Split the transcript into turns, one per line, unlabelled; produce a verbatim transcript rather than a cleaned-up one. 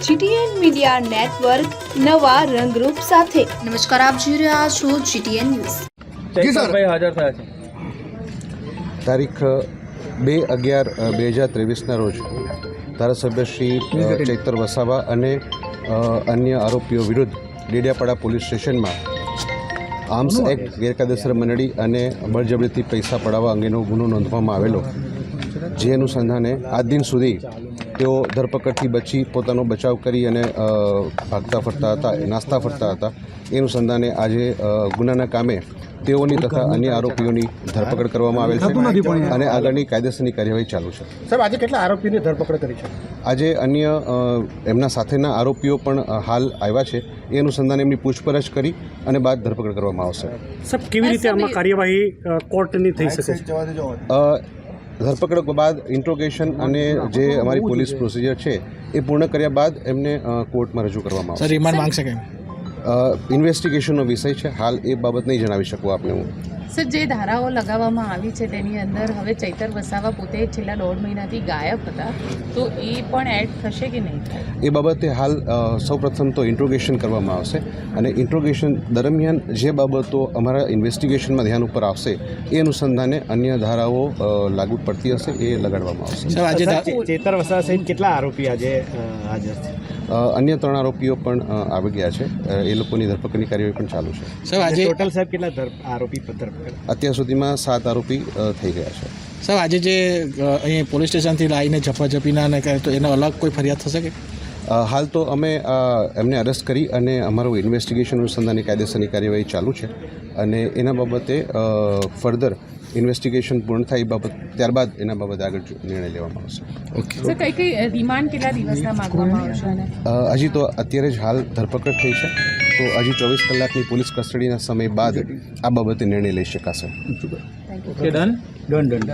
GTN media network નવા રંગરૂપ સાથે।
નમસ્કાર, આપ જોઈ રહ્યા છો જીટીએન ન્યૂઝ।
ચૈતરભાઈ હાજર થયા છે।
તારીખ બે અગિયાર બે હજાર ત્રેવીસના રોજ ધારાસભ્ય શ્રી ચૈતર વસાવા અને અન્ય આરોપીઓ વિરુદ્ધ ડેડિયાપાડા પોલીસ સ્ટેશનમાં આર્મ્સ એક્ટ ગેરકાયદેસર મંડળી અને બળજબરીથી પૈસા પડાવવા અંગેનો ગુનો નોંધવામાં આવેલો, જે અનુસંધાને આજ દિન સુધી તેઓ ધરપકડથી બચી પોતાનો બચાવ કરી અને ભાગતા ફરતા હતા, નાસ્તા ફરતા હતા। એ અનુસંધાને આજે ગુનાના કામે તેઓની તથા અન્ય આરોપીઓની ધરપકડ કરવામાં આવેલ છે અને આગળની કાયદેસરની કાર્યવાહી ચાલુ છે।
સાહેબ, આજે કેટલા આરોપીઓની ધરપકડ કરી છે?
આજે અન્ય એમના સાથેના આરોપીઓ પણ હાલ આવ્યા છે। એ અનુસંધાને એમની પૂછપરછ કરી અને બાદ ધરપકડ કરવામાં આવશે।
સાહેબ, કેવી રીતે આમાં કાર્યવાહી કોર્ટની થઈ શકે છે?
ધરપકડ બાદ ઇન્ટ્રોગેશન અને જે અમારી પોલીસ પ્રોસિજર છે એ પૂર્ણ કર્યા બાદ એમને કોર્ટમાં રજૂ કરવામાં આવશે।
રિમાન્ડ માંગશે કે
ઇન્વેસ્ટિગેશનનો વિષય છે, હાલ એ બાબત નહીં જણાવી શકું આપને હું।
સર, જે ધારાઓ લગાવવામાં આવી છે તેની અંદર હવે ચૈતર વસાવા પોતે છેલ્લા દોઢ મહિનાથી ગાયબ હતા, તો એ પણ એડ થશે કે નહીં થાય?
એ બાબતે હાલ સૌપ્રથમ તો ઇન્ટ્રોગેશન કરવામાં આવશે અને ઇન્ટ્રોગેશન દરમિયાન જે બાબતો અમારા ઇન્વેસ્ટિગેશનમાં ધ્યાન ઉપર આવશે એ અનુસંધાને અન્ય ધારાઓ લાગુ પડતી હશે એ લગાડવામાં આવશે।
આજે ચૈતર વસાવા સહિત કેટલા આરોપી આજે હાજર છે?
અન્ય ત્રણ આરોપીઓ પણ આવી ગયા છે, એ લોકોની ધરપકડની કાર્યવાહી પણ ચાલુ છે।
સાહેબ, આજે ટોટલ સાહેબ કેટલા આરોપી ધરપકડ?
અત્યાર સુધીમાં સાત આરોપી થઈ ગયા છે।
સાહેબ, આજે જે અહીં પોલીસ સ્ટેશનથી લાવીને ઝપાઝપીના ને કરે તો એનો અલગ કોઈ ફરિયાદ થશે કે?
હાલ તો અમે એમને અરેસ્ટ કરી અને અમારું ઇન્વેસ્ટિગેશન અનુસંધાનની કાયદેસરની કાર્યવાહી ચાલુ છે અને એના બાબતે ફર્ધર ઇન્વેસ્ટિગેશન પૂર્ણ થાય એ બાબત ત્યારબાદ એના બાબતે આગળ નિર્ણય લેવામાં આવશે।
ઓકે
સર, કઈ કઈ રિમાન્ડ કેટલા દિવસના માંગવામાં આવશે?
હજી તો અત્યારે જ હાલ ધરપકડ થઈ છે, તો હજી ચોવીસ કલાકની પોલીસ કસ્ટડીના સમય બાદ આ બાબતે નિર્ણય લઈ શકાશે।
Done done done